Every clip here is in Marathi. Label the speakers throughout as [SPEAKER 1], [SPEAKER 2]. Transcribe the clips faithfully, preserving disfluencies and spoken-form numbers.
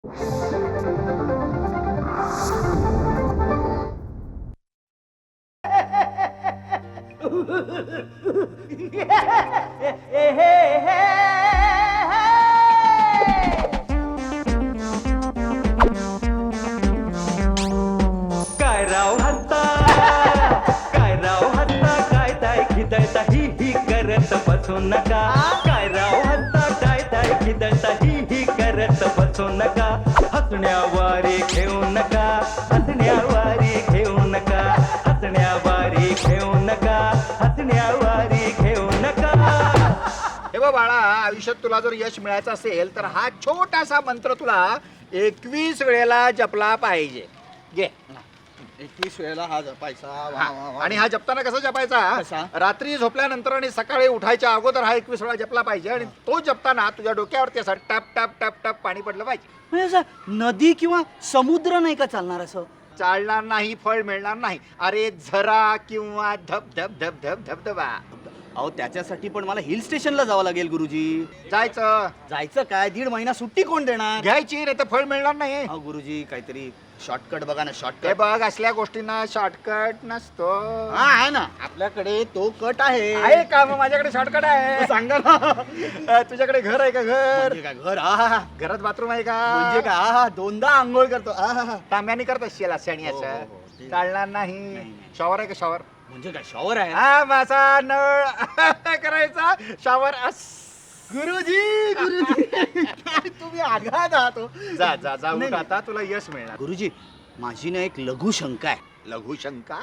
[SPEAKER 1] काय राव हत्ता काय राव हत्ता काय ताय खिदळता ही ही करत बसू नका काय राव हत्ता काय ताय खिदळता ही ही करत बसू नका हसण्यावारे घेऊ नका हसण्यावारे घेऊ नका हसण्यावारे घेऊ नका हसण्यावारे घेऊ नका.
[SPEAKER 2] हे बघ बाळा, आयुष्यात तुला जर यश मिळायचं असेल तर हा छोटासा मंत्र तुला एकवीस वेळेला जपला पाहिजे. घे.
[SPEAKER 3] एकवीस वेळेला हा जपायचा. वा, वा, वा.
[SPEAKER 2] आणि हा जपताना कसा जपायचा?
[SPEAKER 3] कसा?
[SPEAKER 2] रात्री झोपल्यानंतर आणि सकाळी उठायच्या अगोदर हा एकवीस वेळा जपला पाहिजे. आणि तो जपताना तुझ्या डोक्यावरती असं टप टप टप टप पाणी पडलं पाहिजे.
[SPEAKER 3] म्हणजे असं नदी किंवा समुद्र नाही का चालणार असं?
[SPEAKER 2] चालणार नाही, फळ मिळणार नाही. अरे झरा किंवा धब धब धब धब धबधबा.
[SPEAKER 3] अहो त्याच्यासाठी पण मला हिल स्टेशनला जावं लागेल गुरुजी.
[SPEAKER 2] जायचं.
[SPEAKER 3] जायचं काय? दीड महिना सुट्टी कोण देणार?
[SPEAKER 2] घ्यायची, नाही तर फळ मिळणार नाही.
[SPEAKER 3] अहो गुरुजी काहीतरी शॉर्टकट बघा ना.
[SPEAKER 2] हे
[SPEAKER 3] शॉर्टकट
[SPEAKER 2] बघ, असल्या गोष्टींना शॉर्टकट नसतो.
[SPEAKER 3] हा आहे ना आपल्याकडे तो कट आहे.
[SPEAKER 2] आहे का? मग माझ्याकडे शॉर्टकट आहे.
[SPEAKER 3] सांगा ना.
[SPEAKER 2] अ, तुझ्याकडे घर आहे का? घर
[SPEAKER 3] म्हणजे काय घर? आहा.
[SPEAKER 2] घरात बाथरूम आहे का?
[SPEAKER 3] म्हणजे काय? आहा, दोनदा आंघोळ करतो. आहा.
[SPEAKER 2] तांब्याने करत असशील असे आणि
[SPEAKER 3] हो, हो,
[SPEAKER 2] असं
[SPEAKER 3] हो, ते-
[SPEAKER 2] चालणार नाही.
[SPEAKER 3] नाही.
[SPEAKER 2] शॉवर आहे का? शॉवर
[SPEAKER 3] म्हणजे काय शॉवर आहे?
[SPEAKER 2] हा माझा नळ करायचा शॉवर अस.
[SPEAKER 3] गुरुजी गुरुजी काय तुम्ही आघात आहात हो.
[SPEAKER 2] जा जा जा
[SPEAKER 3] नाही,
[SPEAKER 2] उठ
[SPEAKER 3] नाही.
[SPEAKER 2] आता तुला यश मिळणार.
[SPEAKER 3] गुरुजी माझी ना एक लघु शंका आहे.
[SPEAKER 2] लघु शंका?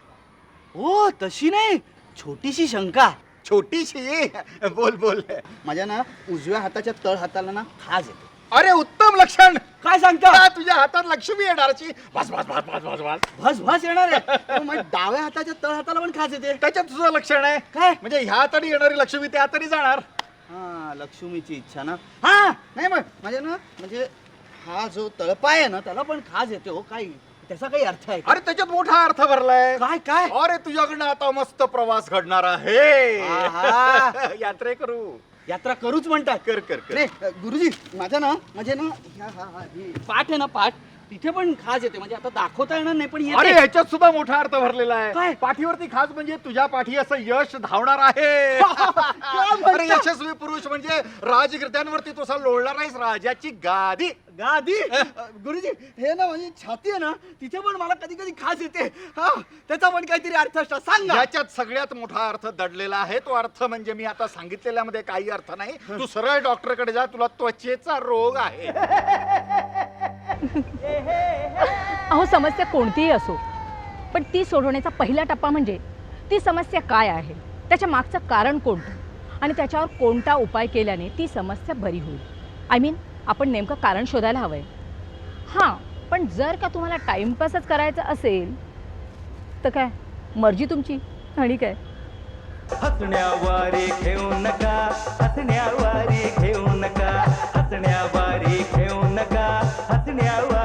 [SPEAKER 3] हो तशी नाही, छोटीशी शंका.
[SPEAKER 2] छोटीशी? बोल बोल.
[SPEAKER 3] माझ्या ना उजव्या हाताच्या तळ हाताला ना खाज येते.
[SPEAKER 2] अरे उत्तम लक्षण.
[SPEAKER 3] काय सांगता?
[SPEAKER 2] का तुझ्या हातात लक्ष्मी येणारची. बस बस बस बस बस बस.
[SPEAKER 3] भस भस येणार आहे. हो, मग डाव्या हाताच्या तळ हाताला पण खाज येते.
[SPEAKER 2] त्याच्यात तुझं लक्षण आहे.
[SPEAKER 3] काय?
[SPEAKER 2] म्हणजे ह्या तरी येणारी लक्ष्मी त्या तरी जाणार.
[SPEAKER 3] हा लक्ष्मीची इच्छा ना. हा नाही मग माझ्या ना म्हणजे हा जो तळपाय आहे ना त्याला पण खाज येते. हो काय त्याचा काही अर्थ आहे का?
[SPEAKER 2] अरे त्याच्यात मोठा अर्थ भरलाय.
[SPEAKER 3] काय काय?
[SPEAKER 2] अरे तुझ्याकडनं आता मस्त प्रवास घडणार आहे.
[SPEAKER 3] आहा.
[SPEAKER 2] यात्रे करू.
[SPEAKER 3] यात्रा करूच म्हणतात.
[SPEAKER 2] कर कर कर.
[SPEAKER 3] नाही गुरुजी माझ्या ना म्हणजे ना ह्या- हा हा ही पाठ आहे ना पाठ तिथे पण खाज येते. म्हणजे आता दाखवता येणार नाही पण
[SPEAKER 2] अरे
[SPEAKER 3] येते.
[SPEAKER 2] ह्याच्यात सुद्धा मोठा अर्थ भरलेला
[SPEAKER 3] काय?
[SPEAKER 2] आहे. पाठीवरती खास म्हणजे तुझ्या पाठी असं यश धावणार आहे.
[SPEAKER 3] म्हणता?
[SPEAKER 2] अरे यशस्वी पुरुष म्हणजे राजगिरद्यांवरती तुझा लोळणार आहेस राजाची गादी.
[SPEAKER 3] गादी गुरुजी हे ना म्हणजे छाती आहे ना तिथे पण मला कधी कधी खास येते. हा त्याचा पण काहीतरी अर्थ असतो सांगा.
[SPEAKER 2] याच्यात सगळ्यात मोठा अर्थ दडलेला आहे. तो अर्थ म्हणजे मी आता सांगितलेल्यामध्ये काही अर्थ नाही. तू सरळ डॉक्टरकडे जा. तुला त्वचेचा रोग आहे.
[SPEAKER 4] अहो समस्या कोणतीही असो पण ती सोडवण्याचा पहिला टप्पा म्हणजे ती समस्या काय आहे, त्याच्या मागचं कारण कोणतं आणि त्याच्यावर कोणता उपाय केल्याने ती समस्या बरी होईल. आय मीन आपण नेमकं कारण शोधायला हवं आहे. हां पण जर का तुम्हाला टाईमपासच करायचं असेल तर काय मर्जी तुमची. आणि काय
[SPEAKER 1] हसण्यावारे घेऊ नका हसण्यावारे घेऊ नका हसण्यावारे घेऊ नका हसण्यावारे